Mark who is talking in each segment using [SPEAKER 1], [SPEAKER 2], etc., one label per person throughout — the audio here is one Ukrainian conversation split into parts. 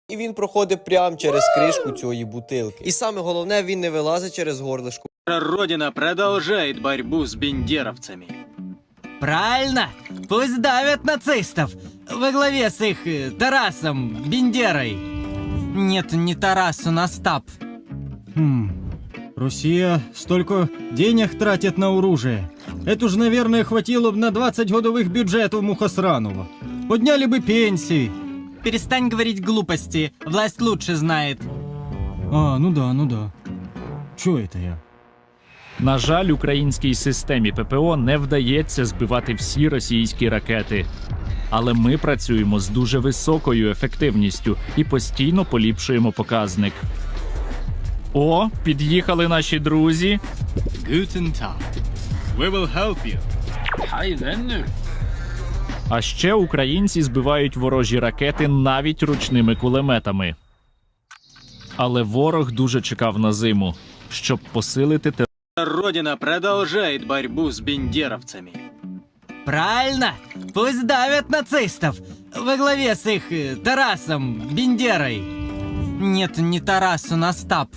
[SPEAKER 1] І він проходить прямо через кришку цієї бутилки. І саме головне, він не вилазить через горлишко.
[SPEAKER 2] Родина продолжает борьбу с бендеровцами.
[SPEAKER 3] Правильно! Пусть давят нацистов во главе с их Тарасом Бендерой. Нет, не Тарас, он Остап.
[SPEAKER 4] Россия столько денег тратит на оружие. Это ж, наверное, хватило бы на 20 годовых бюджетов Мухосранова. Подняли бы пенсии.
[SPEAKER 3] Перестань говорить глупости, власть лучше знает.
[SPEAKER 4] Ну да. Чё это я?
[SPEAKER 5] На жаль, українській системі ППО не вдається збивати всі російські ракети. Але ми працюємо з дуже високою ефективністю і постійно поліпшуємо показник. О, під'їхали наші друзі.
[SPEAKER 2] Guten Tag. We will help you. Hi, Venner.
[SPEAKER 5] А ще українці збивають ворожі ракети навіть ручними кулеметами. Але ворог дуже чекав на зиму, щоб посилити
[SPEAKER 2] Родина продолжает борьбу с бендеровцами.
[SPEAKER 3] Правильно! Пусть давят нацистов во главе с их Тарасом Бендерой. Нет, не Тарас, он Остап.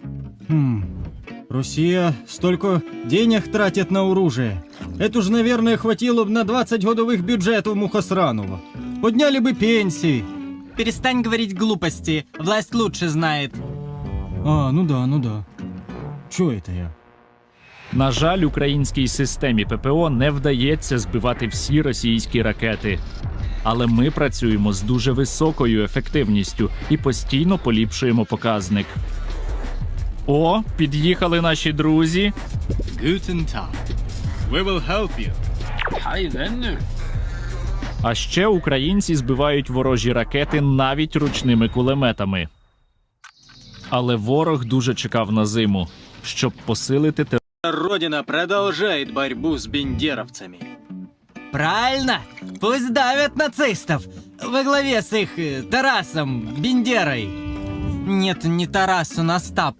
[SPEAKER 4] Россия столько денег тратит на оружие. Это ж, наверное, хватило бы на 20 годовых бюджетов Мухосранова. Подняли бы пенсии.
[SPEAKER 3] Перестань говорить глупости, власть лучше знает.
[SPEAKER 4] Ну да. Чё это я?
[SPEAKER 5] На жаль, українській системі ППО не вдається збивати всі російські ракети. Але ми працюємо з дуже високою ефективністю і постійно поліпшуємо показник. О, під'їхали наші друзі.
[SPEAKER 2] Guten Tag. We will help you. Hi, Venner.
[SPEAKER 5] А ще українці збивають ворожі ракети навіть ручними кулеметами. Але ворог дуже чекав на зиму, щоб посилити
[SPEAKER 2] Родина продолжает борьбу с бендеровцами.
[SPEAKER 3] Правильно! Пусть давят нацистов во главе с их Тарасом Бендерой. Нет, не Тарас, он Остап.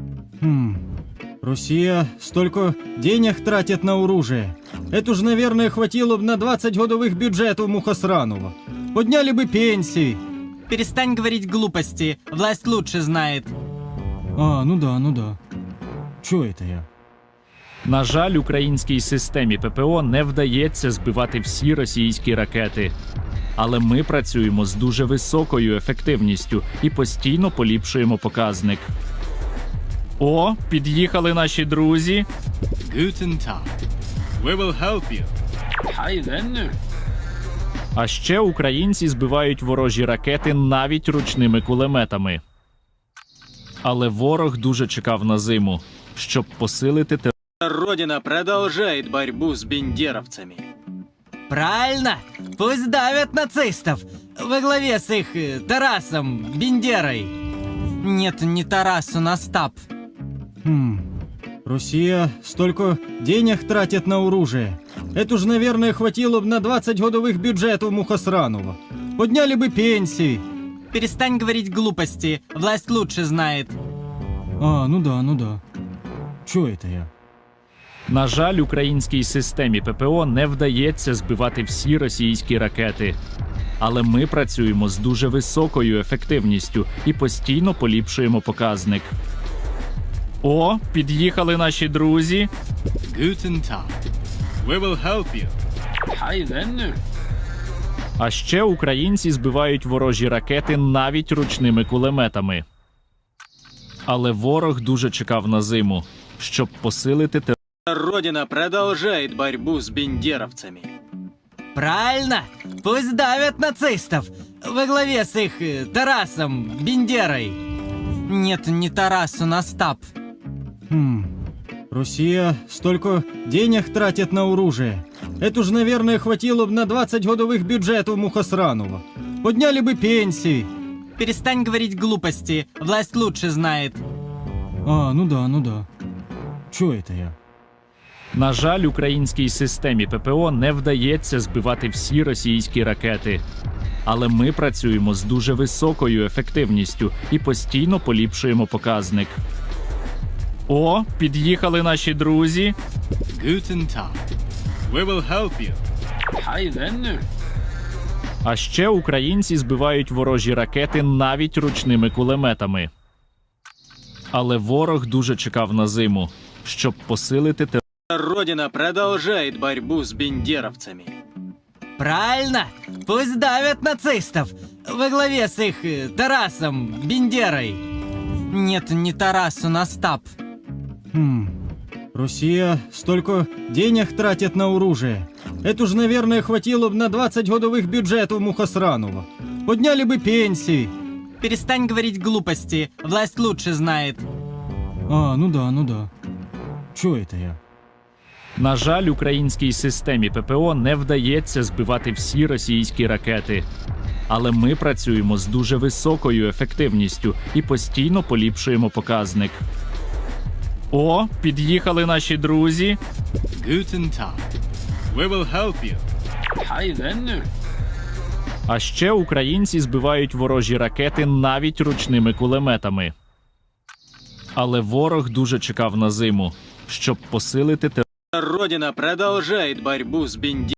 [SPEAKER 4] Россия столько денег тратит на оружие. Это ж, наверное, хватило бы на 20 годовых бюджетов Мухосранова. Подняли бы пенсии.
[SPEAKER 3] Перестань говорить глупости, власть лучше знает.
[SPEAKER 4] Ну да. Чё это я?
[SPEAKER 5] На жаль, українській системі ППО не вдається збивати всі російські ракети. Але ми працюємо з дуже високою ефективністю і постійно поліпшуємо показник. О, під'їхали наші друзі.
[SPEAKER 2] Guten Tag. We will help you. Hi, Venner.
[SPEAKER 5] А ще українці збивають ворожі ракети навіть ручними кулеметами. Але ворог дуже чекав на зиму, щоб посилити
[SPEAKER 2] Родина продолжает борьбу с бендеровцами.
[SPEAKER 3] Правильно! Пусть давят нацистов во главе с их Тарасом Бендерой. Нет, не Тарас, он Остап.
[SPEAKER 4] Россия столько денег тратит на оружие. Это ж, наверное, хватило бы на 20 годовых бюджетов Мухосранова. Подняли бы пенсии.
[SPEAKER 3] Перестань говорить глупости, власть лучше знает.
[SPEAKER 4] Ну да. Чё это я?
[SPEAKER 5] На жаль, українській системі ППО не вдається збивати всі російські ракети. Але ми працюємо з дуже високою ефективністю і постійно поліпшуємо показник. О, під'їхали наші друзі.
[SPEAKER 2] Guten Tag. We will help you. Hi, Venner.
[SPEAKER 5] А ще українці збивають ворожі ракети навіть ручними кулеметами. Але ворог дуже чекав на зиму, щоб посилити
[SPEAKER 2] Родина продолжает борьбу с бендеровцами.
[SPEAKER 3] Правильно! Пусть давят нацистов во главе с их Тарасом Бендерой. Нет, не Тарас, он Остап.
[SPEAKER 4] Россия столько денег тратит на оружие. Это ж, наверное, хватило бы на 20 годовых бюджетов Мухосранова. Подняли бы пенсии.
[SPEAKER 3] Перестань говорить глупости, власть лучше знает.
[SPEAKER 4] Ну да. Чё это я?
[SPEAKER 5] На жаль, українській системі ППО не вдається збивати всі російські ракети. Але ми працюємо з дуже високою ефективністю і постійно поліпшуємо показник. О, під'їхали наші друзі.
[SPEAKER 2] Guten Tag. We will help you. Hi, Venner.
[SPEAKER 5] А ще українці збивають ворожі ракети навіть ручними кулеметами. Але ворог дуже чекав на зиму, щоб посилити
[SPEAKER 4] Родина продолжает борьбу с бендеровцами.
[SPEAKER 3] Правильно! Пусть давят нацистов! Во главе с их Тарасом Бендерой! Нет, не Тарас, он Остап.
[SPEAKER 4] Россия столько денег тратит на оружие. Это ж, наверное, хватило бы на 20 годовых бюджетов Мухосранова. Подняли бы пенсии.
[SPEAKER 3] Перестань говорить глупости, власть лучше знает.
[SPEAKER 4] Ну да. Чё это я?
[SPEAKER 5] На жаль, українській системі ППО не вдається збивати всі російські ракети. Але ми працюємо з дуже високою ефективністю і постійно поліпшуємо показник. О, під'їхали наші друзі.
[SPEAKER 2] Guten Tag. We will help you.
[SPEAKER 5] А ще українці збивають ворожі ракети навіть ручними кулеметами. Але ворог дуже чекав на зиму, щоб посилити
[SPEAKER 4] Родина продолжает борьбу с бендеровцами.